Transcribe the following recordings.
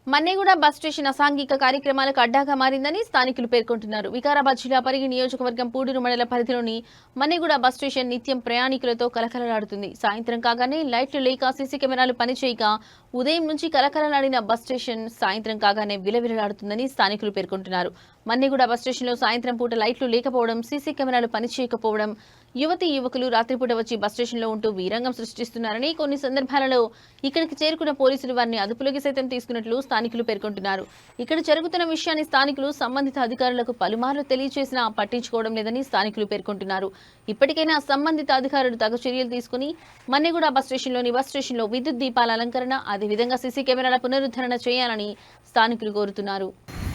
Manneguda bus station అసాంఘిక కార్యక్రమాలకు అడ్డాగా మారిందని స్థానికులు పేర్కొంటున్నారు. వికారాబాద్ జిల్లా పరిగి నియోజకవర్గం పూడూరు మండల పరిధిలోని మన్నెగూడ బస్ స్టేషన్ నిత్యం ప్రయాణికులతో కలకలలాడుతుంది. సాయంత్రం కాగానే లైట్లు లేక సీసీ కెమెరాలు పనిచేయక ఉదయం నుంచి కలకలలాడిన బస్ స్టేషన్ సాయంత్రం కాగానే విలవిలలాడుతుందని స్థానికులు పేర్కొంటున్నారు. మన్నెగూడ బస్ స్టేషన్లో సాయంత్రం పూట లైట్లు లేకపోవడం, సీసీ కెమెరాలు పనిచేయకపోవడం, యువతీ యువకులు రాత్రిపూట వచ్చి బస్ స్టేషన్లో ఉంటూ వీరంగం సృష్టిస్తున్నారని, కొన్ని సందర్భాలలో ఇక్కడికి చేరుకున్న పోలీసులు వారిని అదుపులోకి సైతం తీసుకున్నట్లు స్థానికులు పేర్కొంటున్నారు. ఇక్కడ జరుగుతున్న విషయాన్ని స్థానికులు సంబంధిత అధికారులకు పలుమార్లు తెలియజేసినా పట్టించుకోవడం లేదని స్థానికులు పేర్కొంటున్నారు. ఇప్పటికైనా సంబంధిత అధికారులు తగు చర్యలు తీసుకుని మన్నెగూడ బస్ స్టేషన్లో విద్యుత్ దీపాల అలంకరణ, అదేవిధంగా సీసీ కెమెరాల పునరుద్ధరణ చేయాలని స్థానికులు కోరుతున్నారు.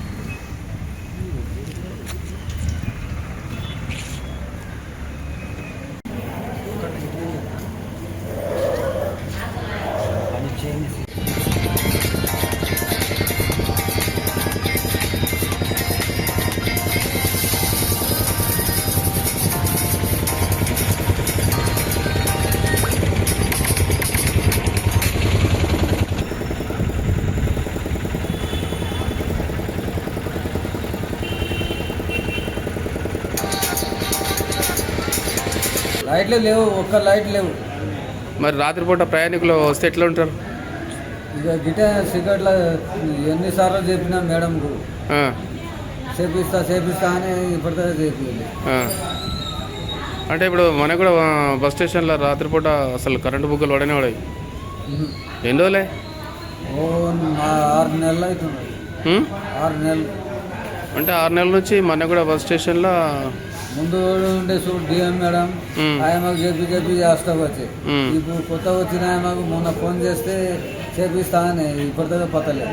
లైట్లు లేవు, ఒక్క లైట్ లేవు. మరి రాత్రిపూట ప్రయాణికులు వస్తే ఎట్లా ఉంటారు? ఇక గిట సిగరెట్ల ఎన్నిసార్లు చెప్పినా మేడంకు చేపిస్తా అని ఇప్పటిదాకా చెప్పింది. అంటే ఇప్పుడు మనకు కూడా బస్ స్టేషన్లో రాత్రిపూట అసలు కరెంటు బుగ్గలు పడనే పడాయి. ఎన్ని రోజులే? 6 నెలలు అవుతుంది. 6 నెలలు అంటే 6 నెలల నుంచి మన కూడా బస్ స్టేషన్లో ముందు ఉండే చూడు డిఎం మేడం ఆయమ్మకు చెప్పి చేస్తా వచ్చి, ఇప్పుడు కొత్త వచ్చిన ఆయమ్మకు మొన్న ఫోన్ చేస్తే చేపిస్తా అని ఇప్పటిదాకా పత్తలేదు.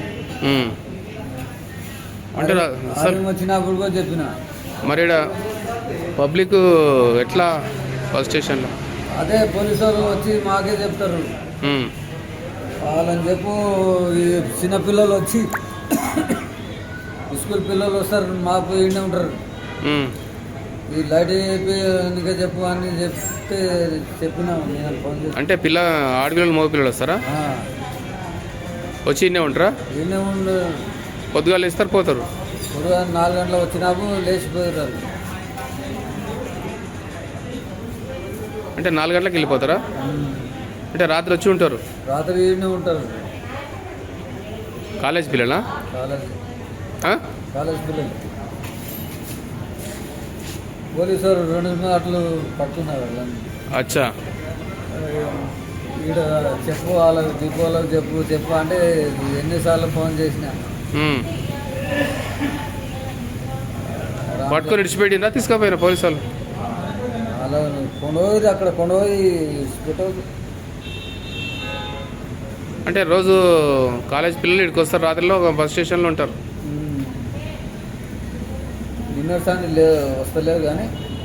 అంటే వచ్చినప్పుడు కూడా చెప్పిన. మరి పబ్లిక్ ఎట్లా బస్ స్టేషన్లో? అదే పోలీసు వాళ్ళు వచ్చి మాకే చెప్తారు. వాళ్ళని చెప్పు, ఈ చిన్నపిల్లలు వచ్చి స్కూల్ పిల్లలు వస్తారు, మాకు ఇండి ఉంటారు. ఈ లైట్ చెప్పు అని చెప్తే చెప్పినా నేను ఫోన్ చేసి. అంటే ఆడపిల్లలు మగ పిల్లలు వస్తారా? వచ్చి ఇన్నే ఉంటారా? ఇన్నే ఉండు. పొద్దుగాలు ఇస్తారు, పోతారు. పొద్దుగా 4 గంటలకు వచ్చినాకు లేచిపోతారు. అంటే 4 గంటలకు వెళ్ళిపోతారా? అంటే రాత్రి వచ్చి ఉంటారు? రాత్రి ఇన్నే ఉంటారు. కాలేజ్ పిల్లలా? కాలేజ్ పిల్లలు. పోలీసు 2 అట్లు పట్టుకున్నారు. అచ్చా. ఈడ చెప్పు, వాళ్ళకి దీపాలకు చెప్పు అంటే ఎన్నిసార్లు ఫోన్ చేసినా పట్టుకొని విడిచిపెట్టిందా? తీసుకుపోయినా పోలీసు వాళ్ళు? అలా కొండపోయి అక్కడ కొండపోయి పెట్టవు. అంటే రోజు కాలేజ్ పిల్లలు ఇక్కడికి వస్తారు, రాత్రిలో బస్ స్టేషన్లో ఉంటారు. డిన్నర్ సాంగ్ వస్తలేవు కానీ